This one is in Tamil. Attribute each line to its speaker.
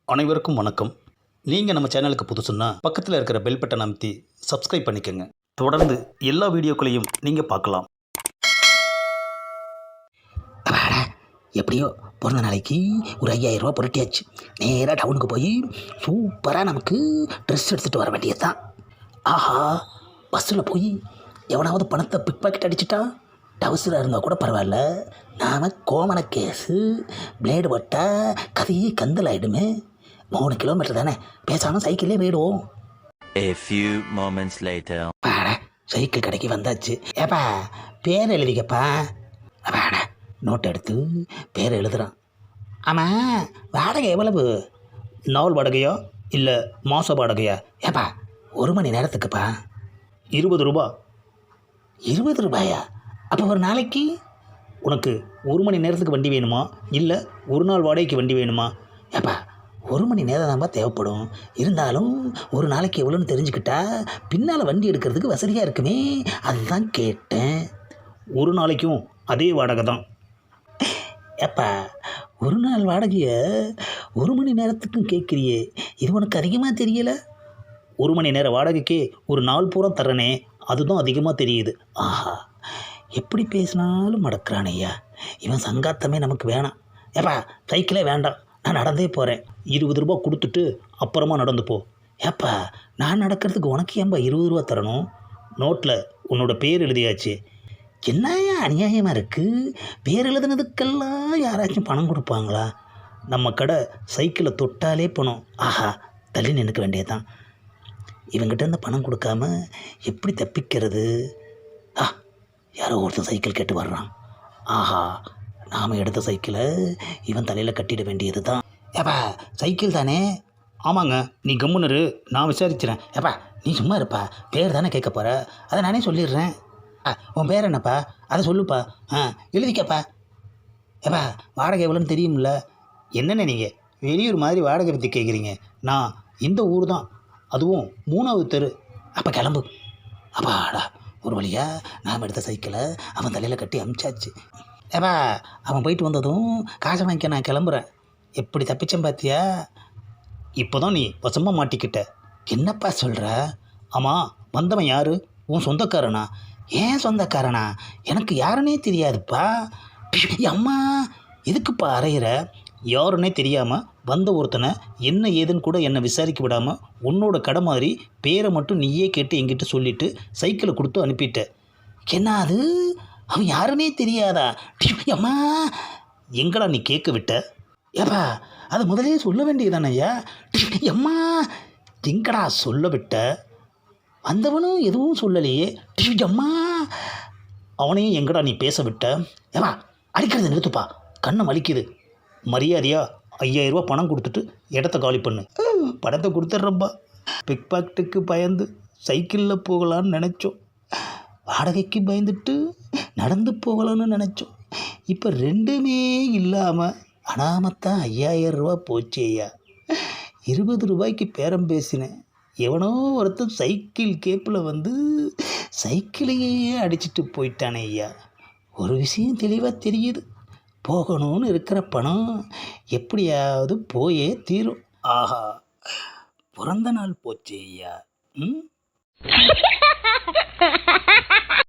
Speaker 1: அனைவருக்கும் வணக்கம். நீங்கள் நம்ம சேனலுக்கு புதுசுன்னா பக்கத்தில் இருக்கிற பெல் பட்டன் அமைத்தி சப்ஸ்கிரைப் பண்ணிக்கோங்க. தொடர்ந்து எல்லா வீடியோக்களையும் நீங்கள் பார்க்கலாம்.
Speaker 2: அப்பாடா, எப்படியோ பிறந்த நாளைக்கு ஒரு 5000 ரூபா புரட்டியாச்சு. நேராக டவுனுக்கு போய் சூப்பராக நமக்கு ட்ரெஸ் எடுத்துகிட்டு வர வேண்டியது தான். ஆஹா, பஸ்ஸில் போய் எவனாவது பணத்தை பிக் பாக்கெட் அடிச்சிட்டா டவுசராக இருந்தால் கூட பரவாயில்ல. நாம் கோமண கேஸு பிளேடு பட்டா கதையே கந்தல் ஆகிடுமே. 3 கிலோமீட்டர் தானே, பேசாமல் சைக்கிளே போயிடுவோம்.
Speaker 3: A few moments later.
Speaker 2: அப்பாடா, சைக்கிள் கடைக்கு வந்தாச்சு. ஏப்பா பேர் எழுதிக்கப்பா. அப்பாடா, நோட் எடுத்து பேர் எழுதுகிறான். ஆமாம், வாடகை எவ்வளவு?
Speaker 1: நாள் வாடகையா இல்லை மாத வாடகையா?
Speaker 2: ஏப்பா 1 மணி நேரத்துக்குப்பா.
Speaker 1: 20 ரூபா.
Speaker 2: 20 ரூபாயா? அப்போ ஒரு நாளைக்கு
Speaker 1: உனக்கு 1 மணி நேரத்துக்கு வண்டி வேணுமா இல்லை ஒரு நாள் வாடகைக்கு வண்டி வேணுமா?
Speaker 2: ஏப்பா 1 மணி நேரம் தான்ப்பா தேவைப்படும். இருந்தாலும் ஒரு நாளைக்கு எவ்வளோன்னு தெரிஞ்சுக்கிட்டா பின்னால் வண்டி எடுக்கிறதுக்கு வசதியாக இருக்குமே, அதுதான் கேட்டேன்.
Speaker 1: ஒரு நாளைக்கும் அதே வாடகை தான்.
Speaker 2: ஏப்பா ஒரு நாள் வாடகையை 1 மணி நேரத்துக்கும் கேட்குறியே, இது உனக்கு அதிகமாக தெரியலை?
Speaker 1: 1 மணி நேர வாடகைக்கே ஒரு நாள் பூரா தர்றனே, அதுதான் அதிகமாக தெரியுது.
Speaker 2: ஆஹா, எப்படி பேசினாலும் மடக்கிறான் ஐயா. இவன் சங்காத்தமே நமக்கு வேணாம். ஏப்பா சைக்கிளே வேண்டாம், நான் நடந்தே போகிறேன்.
Speaker 1: 20 ரூபா கொடுத்துட்டு அப்புறமா நடந்து போ.
Speaker 2: ஏப்பா நான் நடக்கிறதுக்கு உனக்கு ஏன்பா 20 ரூபா தரணும்?
Speaker 1: நோட்டில் உன்னோட பேர் எழுதியாச்சு.
Speaker 2: என்னையா அநியாயமாக இருக்குது? பேர் எழுதுனதுக்கெல்லாம் யாராச்சும் பணம் கொடுப்பாங்களா?
Speaker 1: நம்ம கடை சைக்கிளை தொட்டாலே பணம்.
Speaker 2: ஆஹா, தள்ளி நினைக்க வேண்டியதுதான். இவங்கிட்ட இருந்து பணம் கொடுக்காம எப்படி தப்பிக்கிறது? யாரோ ஒருத்தர் சைக்கிள் கேட்டு வர்றான். ஆஹா, நாம் எடுத்த சைக்கிளை இவன் தலையில் கட்டிட வேண்டியது தான். ஏப்பா சைக்கிள் தானே?
Speaker 1: ஆமாங்க, நீ கம்முனரு, நான் விசாரிக்கிறேன்.
Speaker 2: ஏப்பா நீ சும்மா இருப்பா, பேர் தானே கேட்க போகிற, அதை நானே சொல்லிடுறேன். உன் பேர் என்னப்பா? அதை சொல்லுப்பா. எழுதிக்கப்பா. ஏப்பா வாடகை எவ்வளோன்னு தெரியும்ல?
Speaker 1: என்னென்ன நீங்கள் வெளியூர் மாதிரி வாடகை பற்றி கேட்குறீங்க? நான் இந்த ஊர் தான், அதுவும் 3வது தெரு.
Speaker 2: அப்போ கிளம்பு. அப்பாடா, ஒரு வழியா நாம் எடுத்த சைக்கிளை அவன் தலையில் கட்டி அமிச்சாச்சு. ஏப்பா அவன் போயிட்டு வந்ததும் காசை வாங்கிக்க நான் கிளம்புறேன். எப்படி தப்பிச்சேன் பார்த்தியா?
Speaker 1: இப்போ தான் நீ வசமாக மாட்டிக்கிட்ட.
Speaker 2: என்னப்பா சொல்கிற?
Speaker 1: ஆமாம், வந்தவன் யார்? உன் சொந்தக்காரனா?
Speaker 2: ஏன் சொந்தக்காரனா? எனக்கு யாருன்னே தெரியாதுப்பா. அம்மா எதுக்குப்பா அறையிற?
Speaker 1: யாருன்னே தெரியாமல் வந்த ஒருத்தனை என்ன ஏதுன்னு கூட என்னை விசாரிக்க விடாமல் உன்னோட கடை மாதிரி பேரை மட்டும் நீயே கேட்டு என்கிட்ட சொல்லிவிட்டு சைக்கிளை கொடுத்து அனுப்பிட்ட.
Speaker 2: என்ன அது? அவன் யாருன்னே தெரியாதா? அம்மா
Speaker 1: எங்கடா நீ கேட்க விட்ட?
Speaker 2: ஏப்பா அது முதலே சொல்ல வேண்டியதானே ஐயா? அம்மா
Speaker 1: எங்கடா சொல்ல விட்ட?
Speaker 2: வந்தவனும் எதுவும் சொல்லலையே. அம்மா
Speaker 1: அவனையும் எங்கடா நீ பேச விட்ட?
Speaker 2: ஏப்பா அடிக்கிறது நிறுத்துப்பா, கண்ணை வலிக்குது.
Speaker 1: மரியாதையாக 5000 ரூபா பணம் கொடுத்துட்டு இடத்த காலி பண்ணு.
Speaker 2: பணத்தை கொடுத்துட்றப்பா.
Speaker 1: பிக் பாக்கெட்டுக்கு பயந்து சைக்கிளில் போகலான்னு நினச்சோம்,
Speaker 2: வாடகைக்கு பயந்துட்டு நடந்து போகலான்னு நினச்சோம். இப்போ ரெண்டுமே இல்லாமல் அனாமத்தான் 5000 ரூபா போச்சு ஐயா. 20 ரூபாய்க்கு பேரம் பேசினேன். எவனோ ஒருத்தன் சைக்கிள் கேப்பில் வந்து சைக்கிளையே அடிச்சிட்டு போயிட்டானே ஐயா. ஒரு விஷயம் தெளிவாக தெரியுது, போகணும்னு இருக்கிற பணம் எப்படியாவது போயே தீரும்.
Speaker 1: ஆஹா, பிறந்த நாள் போச்சு ஐயா.